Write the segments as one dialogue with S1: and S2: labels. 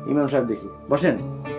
S1: ইমাম সাহেব দেখি, বসেন।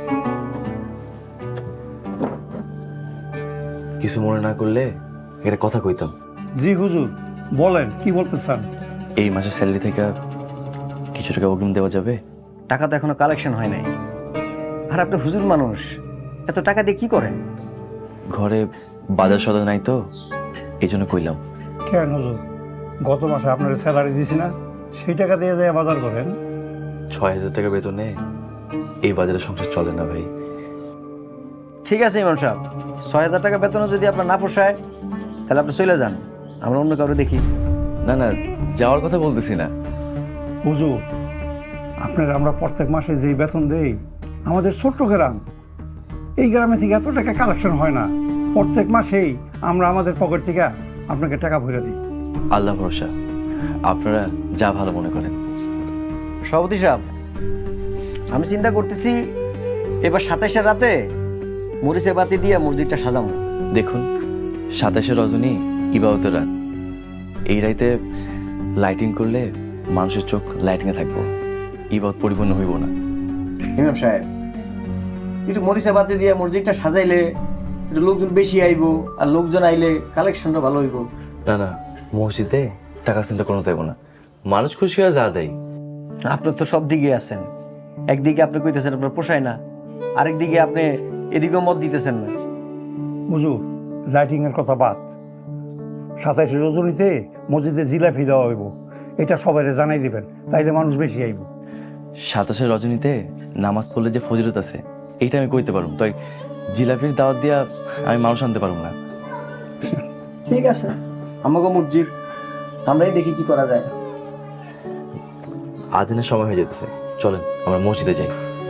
S2: কিছু মনে না করলে একটা কথা কইতাম।
S3: জি হুজুর, বলেন কি বলতে চান?
S2: এই মাসের স্যালারি থেকে কিছু টাকা অগ্রিম দেওয়া যাবে?
S1: টাকা তো এখনো কালেকশন হয় নাই, আর আপনি হুজুর মানুষ, এত টাকা দিয়ে কি করেন?
S2: ঘরে বাজার সদা নাই তো, এই জন্য কইলাম।
S3: কেন হুজুর, গত মাসে আপনার স্যালারি দিছি না, সেই টাকা দিয়ে যায় বাজার করেন।
S2: 6,000 টাকা বেতনে এই বাজারে সংসার চলে না ভাই।
S1: ঠিক আছে ইমাম সাহেব, 6,000 টাকা বেতনও যদি আপনার না পোষায়, তাহলে আপনি চলে যান, আমরা অন্য কাউকে দেখি।
S2: না না, যাওয়ার কথা বলতেছি না।
S3: হুজুর, আপনার আমরা প্রত্যেক মাসে যেই বেতন দেই, আমাদের ছোট্ট গ্রাম, এই গ্রামে থেকে এত টাকা কালেকশন হয় না। প্রত্যেক মাসেই আমরা আমাদের পকেট থেকে আপনাকে টাকা ভরে দিই।
S2: আল্লাহ ভরসা, আপনারা যা ভালো মনে করেন।
S1: সভাপতি সাহেব, আমি চিন্তা করতেছি এবার 27-এর রাতে মরিচে বাতি দিয়ে মসজিদটা সাজাবো।
S2: দেখুন, 27 রজনী ইবাদতের রাত, এই রাইতে লাইটিং করলে মানুষের চোখ লাইটিংয়ে থাকবো, ইবাদত পরিপূর্ণ হইব না।
S1: ইমাম সাহেব, একটু মরিচে বাতি দিয়ে মসজিদটা সাজাইলে একটু লোকজন বেশি আইবো, আর লোকজন আইলে কালেকশনটা ভালো হইব।
S2: না না, মসজিদে টাকা চিন্তা কোনো যাইব না, মানুষ খুশি হয়ে যা দেয়।
S1: আপনার তো সব দিকে আছেন, একদিকে আপনি কইতেছেন আপনার পোষায় না, আরেকদিকে আপনি এদিকেও মত দিতেছেন না।
S3: হুজুর, লাইটিংয়ের কথা বাদ, 27 রজনীতে মসজিদে জিলাপি দেওয়া হইব, এটা সবাই জানাই দিবেন, তাইলে মানুষ বেশি আইব।
S2: 27 রজনীতে নামাজ পড়লে যে ফজিলত আছে, এইটা আমি কইতে পারবো, তাই জিলাপির দাওয়াত দিয়া আমি মানুষ আনতে পারবো না।
S1: ঠিক আছে, আমাকে মসজিদ, আমরাই দেখি কি করা যায়।
S2: আদিনের সময় হয়ে যেতেছে, চলেন আমরা মসজিদে যাই।